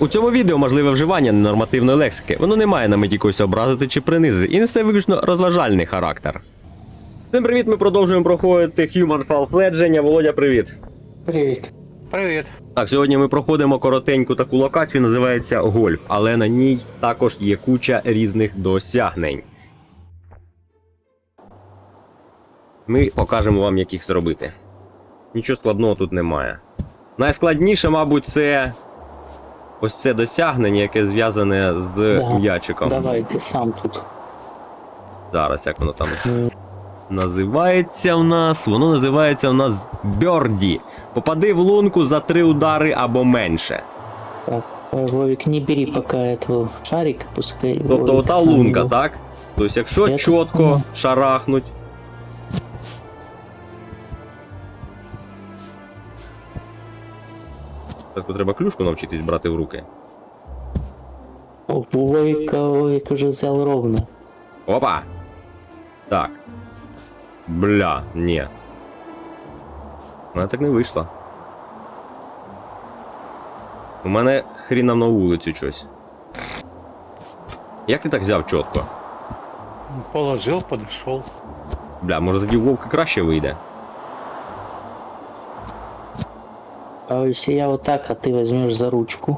У цьому відео можливе вживання ненормативної лексики. Воно не має на меті когось образити чи принизити і несе виключно розважальний характер. Всім привіт, ми продовжуємо проходити Human Fall Fledging. Володя, привіт. Привіт. Привіт. Так, сьогодні ми проходимо коротеньку таку локацію, називається Гольф, але на ній також є куча різних досягнень. Ми покажемо вам, як їх зробити. Нічого складного тут немає. Найскладніше, мабуть, це ось це досягнення, яке зв'язане з м'ячиком. Давай, ти сам тут. Зараз, як воно там називається в нас? Воно називається у нас Бьорді. Попади в лунку за 3 удари або менше. Так, Вовик, не бери пока этого шарик, пускай... Тобто Вовик ота сам лунка, его. так? Тобто якщо Я чітко так понял. шарахнуть. Так, тут треба клюшку навчитись брати в руки. О, Вовик уже взял ровно. Опа! Так. Бля, ні. У мене так не вийшло. У мене хріном на вулицю щось. Як ти так взяв чітко? Положил, подошел. Бля, може тоді у Вовка краще вийде. А если я вот так, а ты возьмешь за ручку?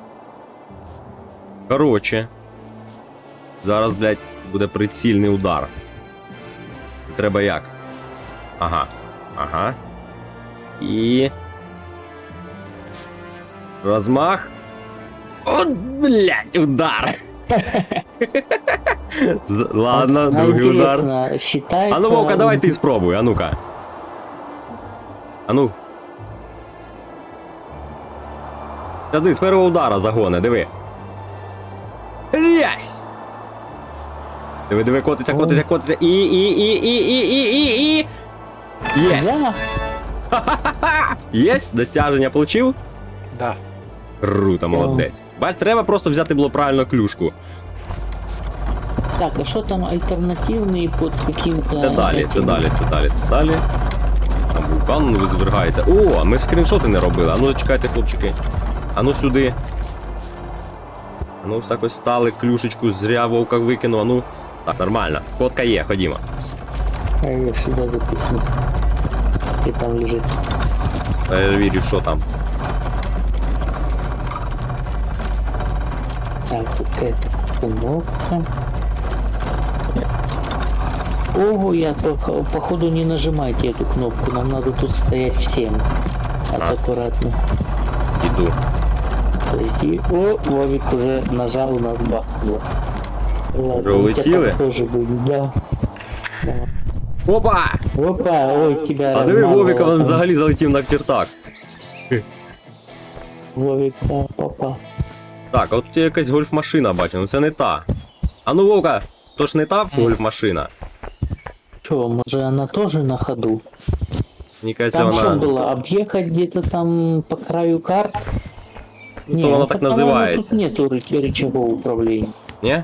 Короче. Зараз, блядь, буде прицільний удар. Треба як? Ага. Ага. І... Розмах. От, блядь, удар. Ладно, другий удар. Интересно, считается... А ну, Вовка, давай ти спробуй, а ну-ка. А ну. Сюди, з першого удара загони, диви. Рясь! Диви, котиться, котиться, котиться. І. Єсть! Да? Єсть? Достяження получив? Да. Круто, молодець. Бач, треба просто взяти було правильно клюшку. Так, а что там альтернативные под каким-то... Це далі, це этим? далі, це далі, це далі. Там вулкан визвергається. О, ми скріншоти не робили. А ну чекайте, хлопчики. А ну сюди. А ну ось так ось стали, клюшечку зря Вовка викинув, а ну. Так, нормально. Фотка є, ходімо. А я сюда запихну. И там лежит. Перевірю, що там. Так, тут какая-то кнопка. Ого, я походу не нажимайте эту кнопку, нам надо тут стоять всем. Аккуратно. Іду. Подожди. О, Вовик уже нажал, у нас бахнуло. Ладно, Уже у тебя улетели? там тоже будет, да. Да. Опа! Опа, ой, тебя А диви, размазало Вовика, він там. взагалі залетів на кіртак. Вовик, да, попа. Так, а от тут є якась гольф-машина, бачу, ну це не та. А ну, Вовка, то ж не та гольф-машина? Че, может она тоже на ходу? Мені кажеться, Там что вона... было, объехать где-то там по краю карт? Ну, то вона так по-моему, називається. Тут нету рычагов управления. Ні?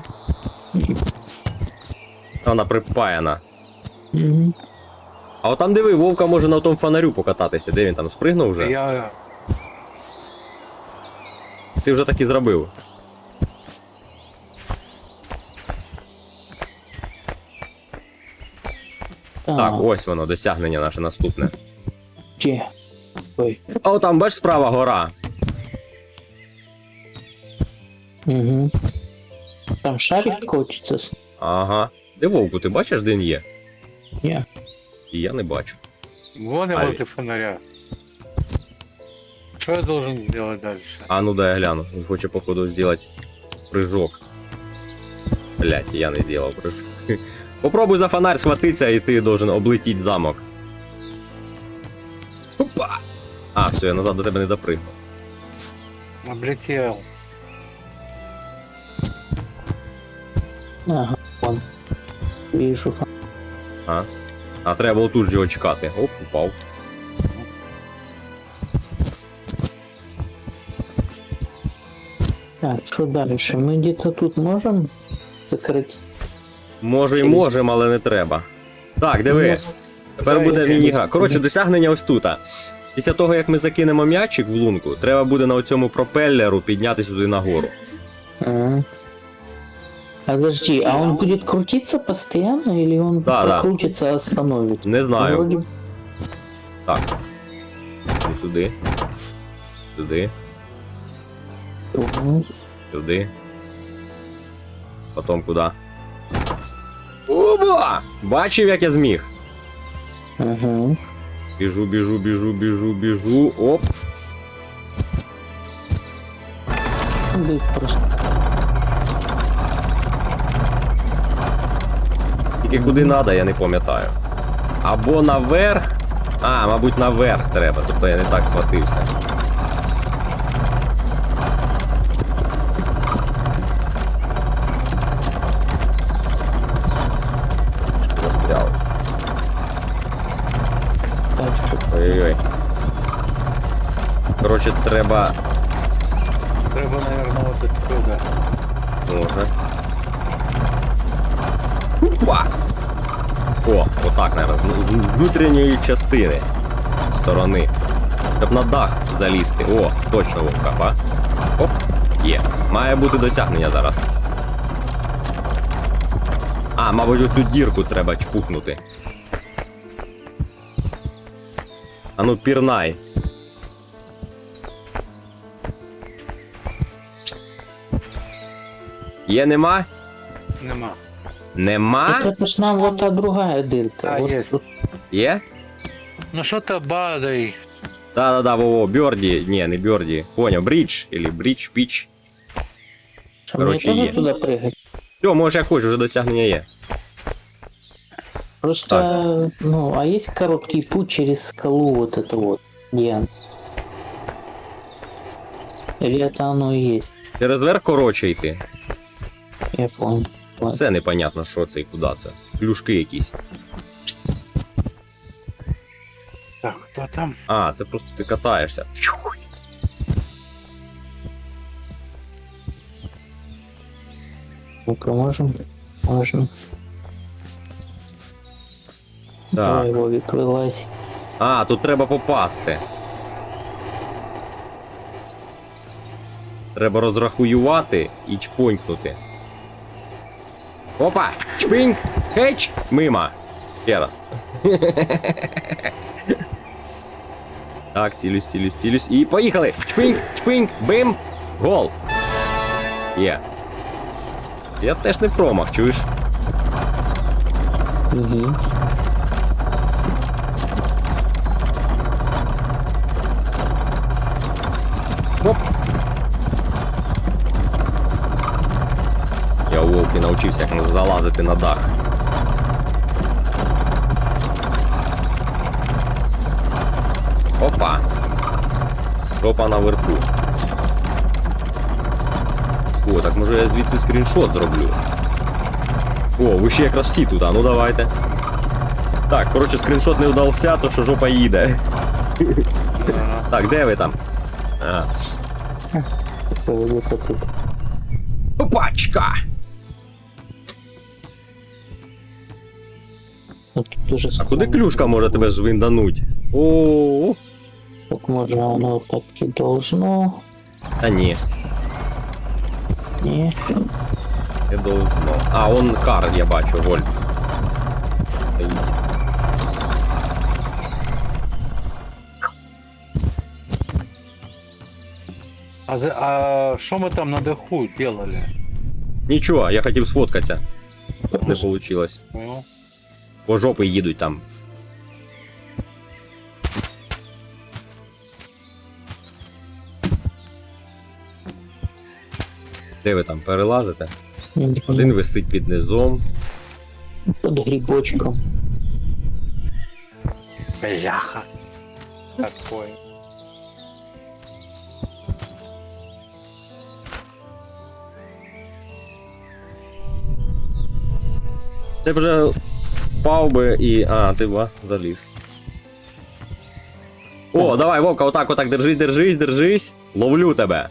Вона припаяна. Мгм. А от там диви, Вовка може на тому фонарю покататися. Де він там, спригнув вже? Я... Ти вже так і зробив. Так, ось воно, досягнення наше наступне. Где? Ой. А от там, бач, справа гора. Угу. Там шарик котится. Ага. Де Вовку, ти бачиш, де він є? Не. І я не бачу. Вон я Ай. возле фонаря. Что я должен делать дальше? А ну дай я гляну. Він хоче, походу, зробити прыжок. Блять, я не зробив прыжок. Попробуй за фонарь схватитися, і ти должен облетіти замок. Опа! А, все, я назад до тебе не допригну. Облетел. Ага, вон. Вижу. А треба було тут же його чекати. Оп, упав. Так, что дальше? Мы где-то тут можем закрыть? Може і можемо, але не треба. Так, диви. Тепер буде міні-гра. Коротше, досягнення ось тут. Після того, як ми закинемо м'ячик в лунку, треба буде на оцьому пропеллеру підняти сюди нагору. А. Подожди, а он будет крутиться постоянно или он Да, да. крутится, остановит? Не знаю. Вроде... Так. І туди. Туди. Мгм. Сюди. Потім куди? Оба! Бачив, як я зміг. Ага. Біжу, біжу, біжу, біжу, біжу. Оп. Да просто. Тільки куди треба, я не пам'ятаю. Або наверх. А, мабуть, наверх треба, тобто я не так схватився. Застряв. Так, что... Ой-ой-ой. Коротше, треба. Треба, наверное, вот отсюда. Може. Опа! О, отак, наверное, з внутрішньої частини. Сторони. Щоб на дах залізти. О, точно вовка, ба. Оп, є. Має бути досягнення зараз. А, мабуть, оцю дірку треба чпукнути. А ну, пірнай. Є, нема? Нема. Нема? Так это ж нам вот та другая дырка. А, вот есть. тут. Є? Ну что-то бадай. Да-да-да, во-во, Бёрди. Не, не Бёрди. Понял, Бридж. Или Бридж, Пич. Что, мне короче, тоже есть. туда прыгать? Все, можеш як хочеш, вже досягнення є. Просто, ну, а есть короткий путь через скалу вот это вот, Диан? Или это оно и есть? Через верх коротше йти. Я понял. Ладно. Все непонятно, що це і куди це. Клюшки якісь. Так, кто там? А, це просто ти катаєшся. Фью. Ну-ка, можем? Можно. Так. Давай, Вовик, вылазь. А, тут треба попасти. Треба розрахуювати і чпонькнути. Опа! Чпиньк! Хеч! Мимо! Ще раз. Так, цілюсь, цілюсь, цілюсь. І поїхали! Чпиньк! Чпиньк! Бим! Гол! Є. Я теж не промах, чуєш? Угу. Оп! Я у Вовки навчився, як залазити на дах. Опа! Жопа наверху. О, так може я звідси скріншот зроблю. О, ви ще якраз всі туди, ну давайте. Так, коротше, скріншот не вдався, то що жопа їде. Ага. Так, де ви там? А. Вот это тут. Опачка! Вот тут уже А куди скала. клюшка може тебе звиндануть? О, Так можно оно так и должно. та ні, Не. не должно. А, он кар, я бачу, Вольф. Стоїть. А что мы там на даху делали? Нічого, я хотів сфоткатися. Не вийшло. Ну, По жопи їдуть там. Де ви там перелазите? Один висить під низом. Под грибочком. бляха. Такое. Ти б вже впав би і. А, ти ба, заліз. О, давай, Вовка, отак, держись, держись, держись. Ловлю тебе.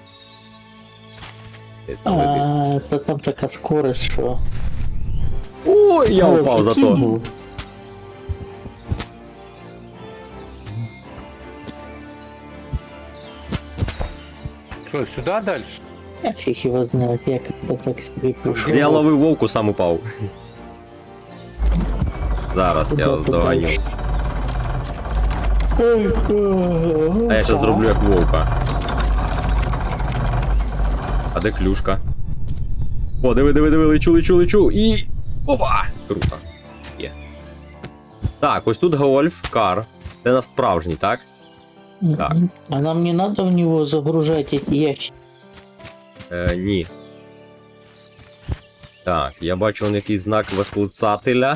Ти там летиш. А, это там такая скорость, что... Ой, я О, упав зато. закинул. Что, сюда дальше? Я фиг его знает, я когда так себе пришел. Я ловив вовку, сам упав. Зараз я Куда здоганю. дальше? А я зараз зроблю як вовка. А де клюшка? О, диви, лечу. І. Опа! Круто. Є. Так, ось тут гольф, кар. Це на справжній, так? Так. А нам не надо в него загружать эти ящики. Ні. Так, я бачу он якийсь знак восклицателя.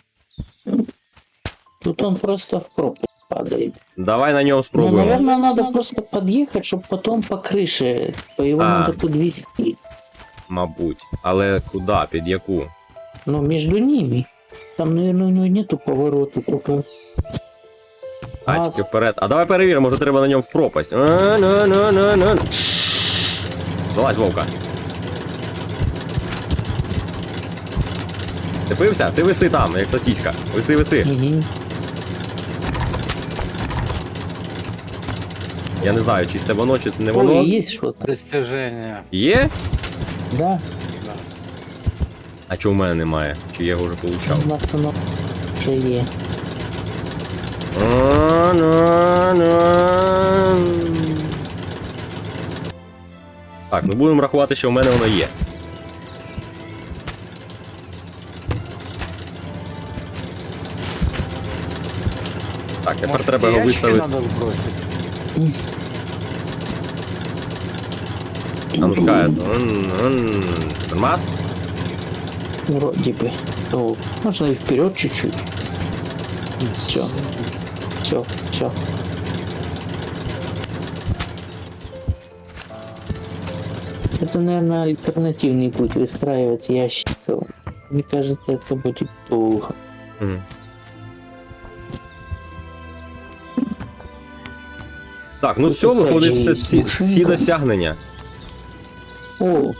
Тут он просто в пропасть падает. Давай на ньому Ну, спробуємо. наверное, надо просто подъехать, чтобы потом по крыше. По его А. надо подвести. Мабуть. Але куди? Під яку? Но между ними. Там, наверное, у него нету поворота, только... А, Газ. тільки вперед. А давай перевіримо, може треба на ньому в пропасть. Залазь, вовка. Ти пився? Ти виси там, як сосіська. Виси. Мгм. Я не знаю, чи це воно, чи це не воно. Ой, есть что-то. Достижение. Є? Да, Да. А чого в мене немає? Чи я його вже получав? у нас оно уже есть. Так, ми будемо рахувати, що в мене воно є. Так, тепер Может, треба эти його ящики виставити. надо сбросить? А ну чекай. Тормоз? Вроде бы. Ну, можно и вперед чуть-чуть. Все. Все. Это, наверное, альтернативный путь выстраивать ящиков. Мне кажется, это будет плохо. Мгм. Так, ну Тут все, опять виходить же всі, є всі машинка. досягнення. О!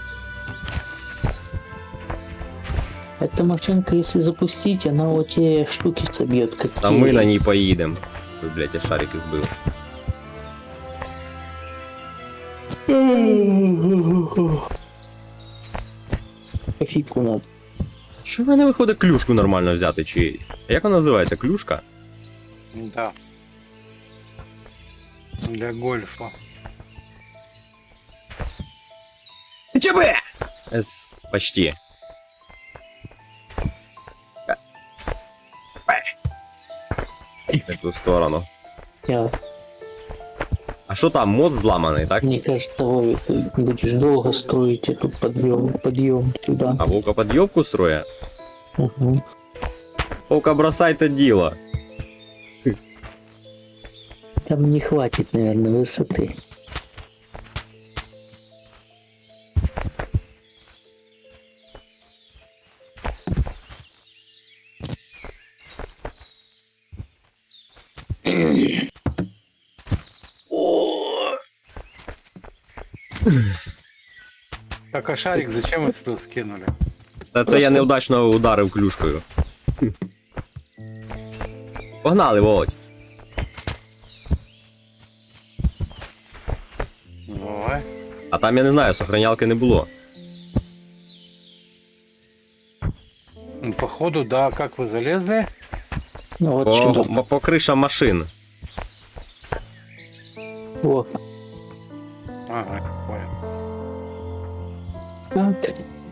Эта машинка, если запустить, она вот те штуки собьет, как А ми на ній поїдемо. Ой, блядь, я шарики збив. Кофейку надо. Що в мене виходить клюшку нормально взяти? Чи. Як вона називається? Клюшка? Да. Для гольфа. ЧБ! Почти. В ту сторону. Я, А що там, мод зламаний, так? мне кажется, Вовик, ты будешь долго строить эту подъем сюда. А вовка підйобку строє? Угу. Вовка, бросайте діло. Там не хватит, наверное, высоты. Так, а шарик зачем вы сюда скинули? Та це я неудачно ударив клюшкою. Погнали, Володь. Давай. А там я не знаю, сохранялки не було. Ну, походу, да, как вы залезли? Ну вот По, сюда. по кришам машин. Вот. Ага, понял. Так.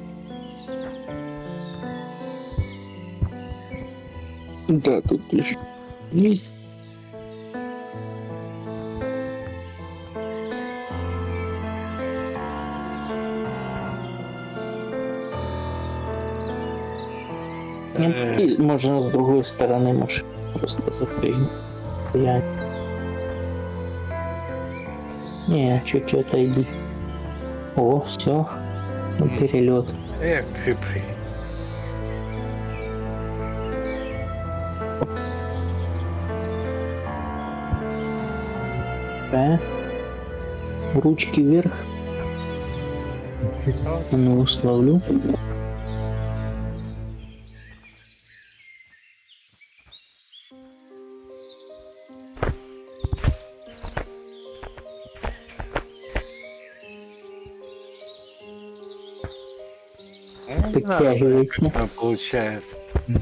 Да, тут лишь есть. И можно с другой стороны машины просто запрыгнуть. Я... Не, чуть-чуть отойди. О, все. Перелет. Эх, пипри. Да. Ручки вверх. Ну, словлю. Не знаю, Подтягивайся. получается.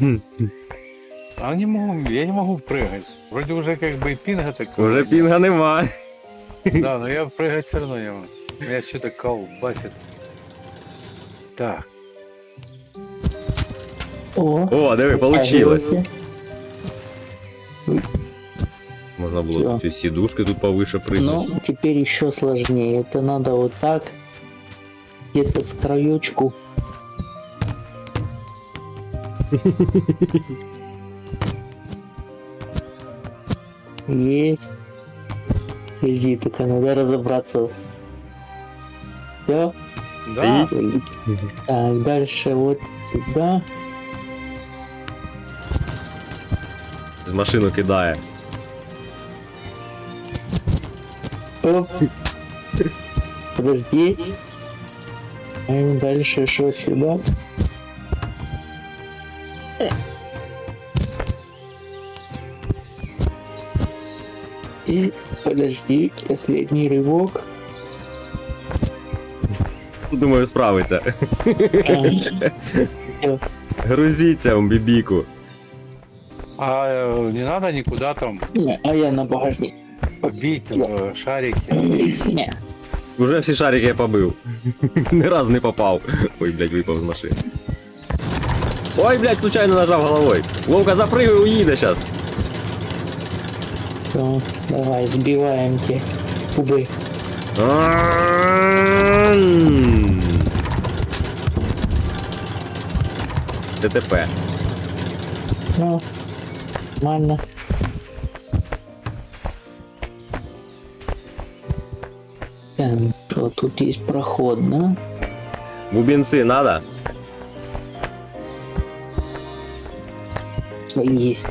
А не могу, я не могу прыгать. Вроде уже как бы и пинга такого. Уже пінга нема. Да, но я прыгать все равно не могу. Меня что-то колбасит. Так. О, О, диви, получилось. подтягивайся. Можна було Всё. ці сідушки тут повише Ну, прыгнути. теперь еще сложнее. Это надо вот так. Где-то с краечку. Есть. Подожди, только надо разобраться. Все. Да. Так, дальше вот сюда. З машину кидає. Оп. Подожди. Дальше что сюда? И подожди, последний рывок. Думаю, справиться. Всё. Грузіться в бібіку. А не надо никуда там Не, а я на багажник. побить шарики. Не. Уже всі шарики я побив. Ні разу не попав. Ой, блядь, випав з машини. Ой, блядь, случайно нажав головою. Вовка, запрыгай, уїде щас. Всё, давай, сбиваем те кубы. ДТП. Ну, нормально. Так, что тут есть проход, да? Бубенці надо? Есть.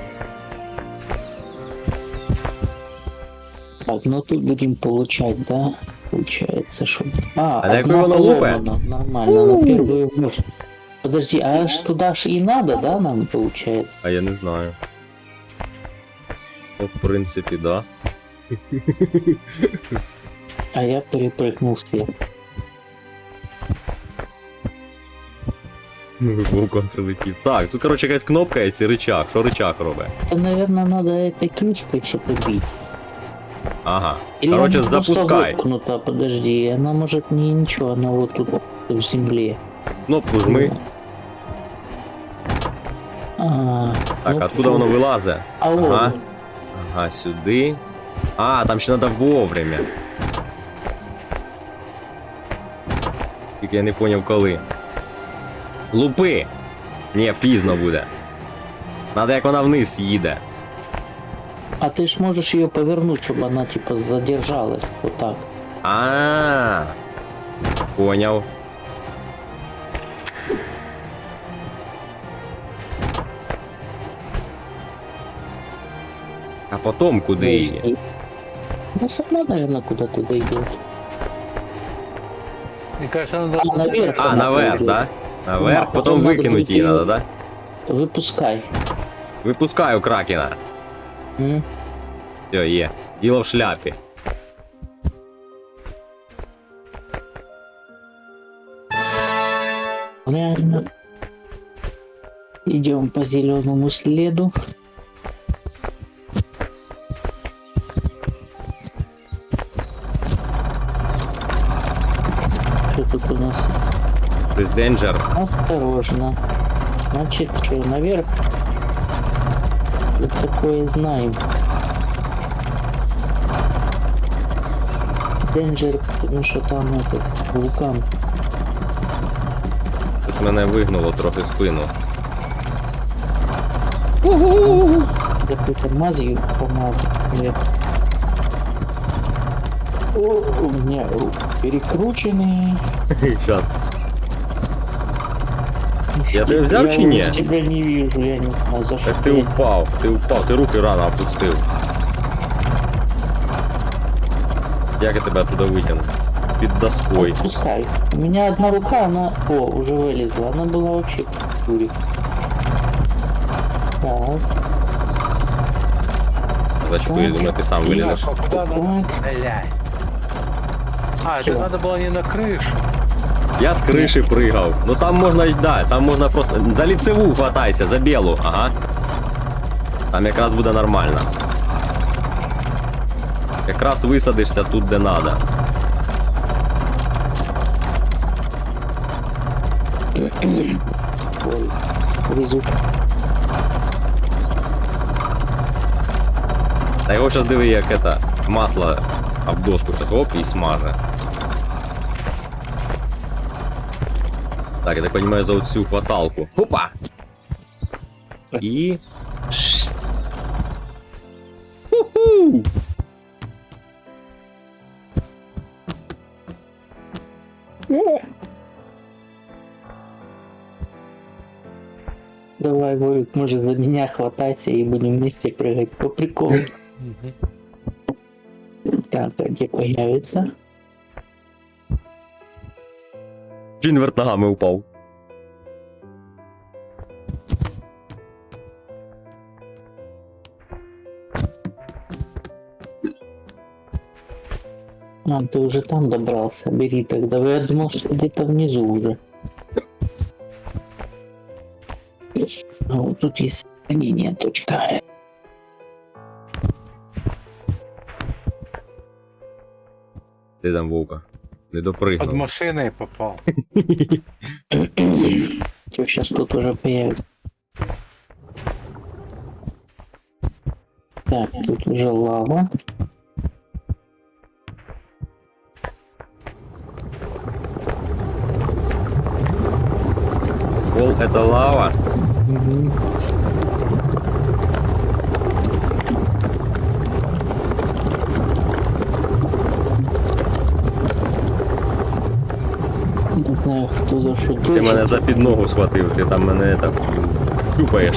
Так, ну тут будем получать, да? Получается, что... А на одна какой воно лупе? поломана. Нормально, на первую вновь. Подожди, а аж туда ж и надо, да, нам получается? А я не знаю. Ну, в принципі, да. А я перепрыгнул все. Вовком прилетів. Так, тут, короче, якась кнопка є, і рычаг. Що рычаг робить? Это, наверное, надо этой клюшкой что-то бить. Ага. Или Короче, она просто запускай. воткнута, подожди, она может не ничего, она вот тут в земле. Кнопку жми. А, Так, ну, откуда воно вилазить? А вот. Ага. Ага, сюди. А, там ще треба вовремя. Тільки я не поняв коли. Лупи! Ні, пізно буде. Надо, як вона вниз їде. А ты ж можешь ее повернуть, чтобы она типа задержалась. Вот так. А, поняв. А потом куди її? Ну, сама, наверное, куда-то дойдет. Мне кажется, надо... А, наверх. А, она наверх, пойдет. да? Наверх, Да, потім потім надо викинуть її буде- надо, да? Выпускай. Випускаю кракена. М? Все, є. Діло в шляпі. Реально. Идем по зеленому следу. Что тут у нас? Денджер. Осторожно. Значит, что, наверх? Тут такое знаем. Денджер, потому что там этот вулкан. Щось мене вигнуло трохи спину. Какой-то мазью помазал. Нет. О, у меня руки перекручены. Щас. Я тебе взяв чи ні? Я тебя не вижу, я не знаю за что. Так ти упав, ти руки рано опустив. Як я тебе оттуда витягну? Під доскою. Пускай. У меня одна рука, она... О, уже вылезла. Она была вообще в туре. Раз. Зачем, я думаю, ти сам вилізеш. А куда надо? Так. Блядь. А, это Чего? надо было не на крышу. Я з криші пригав. Ну там можна й да, там можна просто. За ліцеву хватайся, за білу, ага. Там якраз буде нормально. Якраз висадишся тут, де надо. Ой, везут. Та його щас диви, як это, масло об доску щас оп і смаже. Так, я так понимаю, за оцю хваталку. Опа! І... Ху-ху! Давай, Вовик, может, за меня хватайся и будем вместе прыгать по приколу. Так, а где появится? Джинверт ногами упав. А, ты уже там добрался, бери тогда. Я думал, что где-то внизу уже. А вот тут есть сохранение, точка. Ти там, Вовка? Не Под допригнув. машиной попал. Что сейчас тут уже появится? Так, тут уже лава. Пол это лава. Мгм. Не знаю, хто за що Ти мене за підногу схватив, ти там мене так чупаєш.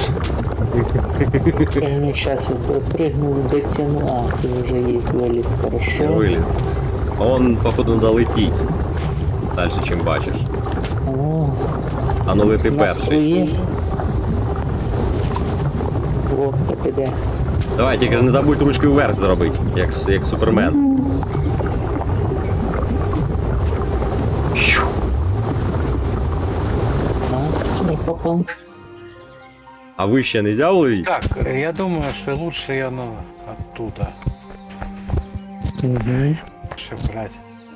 Сейчас я допрыгнул, дотяну. А, ты уже есть, вылез, Я хорошо. виліз. Он, походу, надо летіть. Дальше, чим бачиш. О, А ну лети на перший. струє. О, так іде. Давай, тільки не забудь ручки вверх зробити, як Супермен. А, не попал. А вище не взяли? Так, я думаю, что лучше я оттуда. Угу. Что брать?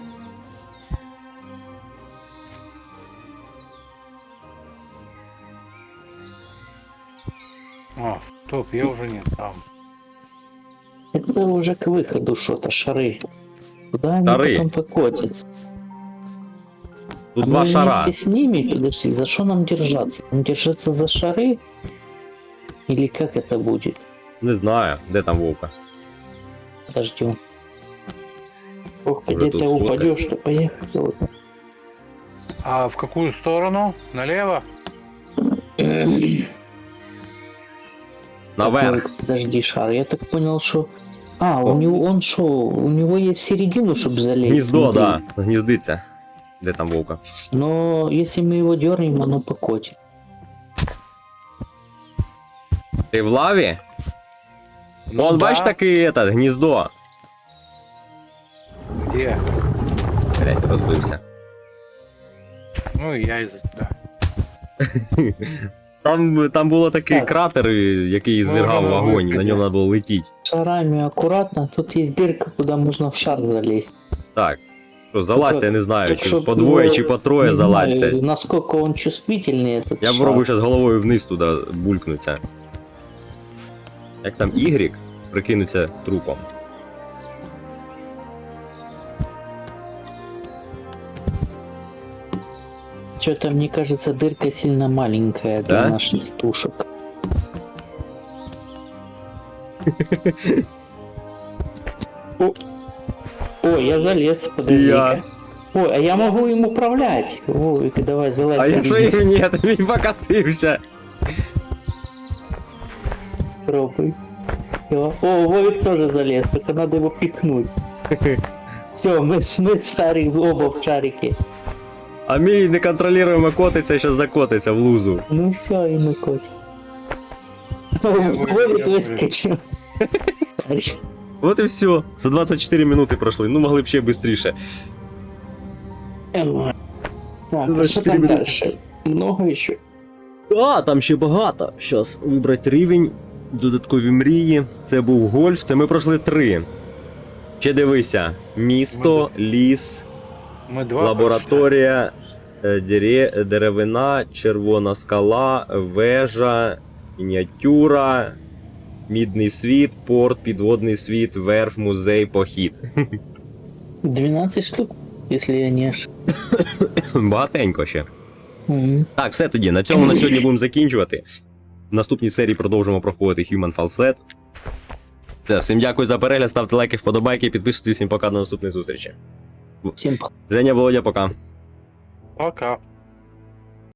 О, стоп, я уже не там. Это уже к выходу что-то, шары. Куда они Шары. потом покотятся? Тут А два мы шара. вместе с ними, подожди, за что нам держаться? Нам держаться за шары? Или как это будет? Не знаю, де там Вовка. Подождем. Ох, Уже где тут ты сфоткать. упадешь, то поехать. Ладно. А в какую сторону? Налево? Наверх. Такой, подожди, шар. Я так понял, что... А, О. у него он шо? У него есть в середину, чтобы залезть. Гніздо, смотри. да. Гніздиться. Де там Вовка? Но если мы его дернем, оно покотит. Ти в лаві? Ну Вон, да. бачиш таке это, гніздо? Где? Блять, розбився. Ну и я из-за тебя. Там було такий Так. кратер, який звергав Можемо вогонь, на випити. ньому треба було летіти. Шарами аккуратно. Тут есть дырка, куда можно в шар залезть. Так. Що, залазьте, я не знаю, Так чи щоб, по двоє, ну, чи по троє не залазьте. знаю, насколько он чувствительный, этот Я шар. пробую зараз головою вниз туди булькнуться. Як там Y прикинуться трупом. Что-то, мне кажется, дырка сильно маленькая для Да? наших тушек. О, я залез, подожди. Я. Ой, а я могу им управлять. Вовик, давай залазь. А я среди. своїм ні, він покатився. Пробуй. Всё. О, Вовик тоже залез, только надо его пикнуть. Все, мы с шарик, оба в шарике. А мій неконтролюємо котиться, зараз закотиться в лузу. Ну все, и мы котик. О, Вовик выскочил. От і все. За 24 минути пройшли. Ну могли б ще швидше. Так, а що там дальше? Много ще? А, там ще багато. Щас вибрати рівень, додаткові мрії. Це був гольф, це ми пройшли 3. Ще дивися: місто, ліс, Ми два лабораторія, деревина, червона скала, вежа, мініатюра, мідний світ, порт, підводний світ, верф, музей, похід. 12 штук, якщо я не ошибаюсь. Багатенько ще. Мгм. Так, все тоді. На цьому на сьогодні будемо закінчувати. В наступній серії продовжимо проходити Human Fall Flat. Все, всім дякую за перегляд, ставте лайки, вподобайки, підписуйтесь, всім пока, до наступної зустрічі. Всім Женя, Володя, пока. Пока.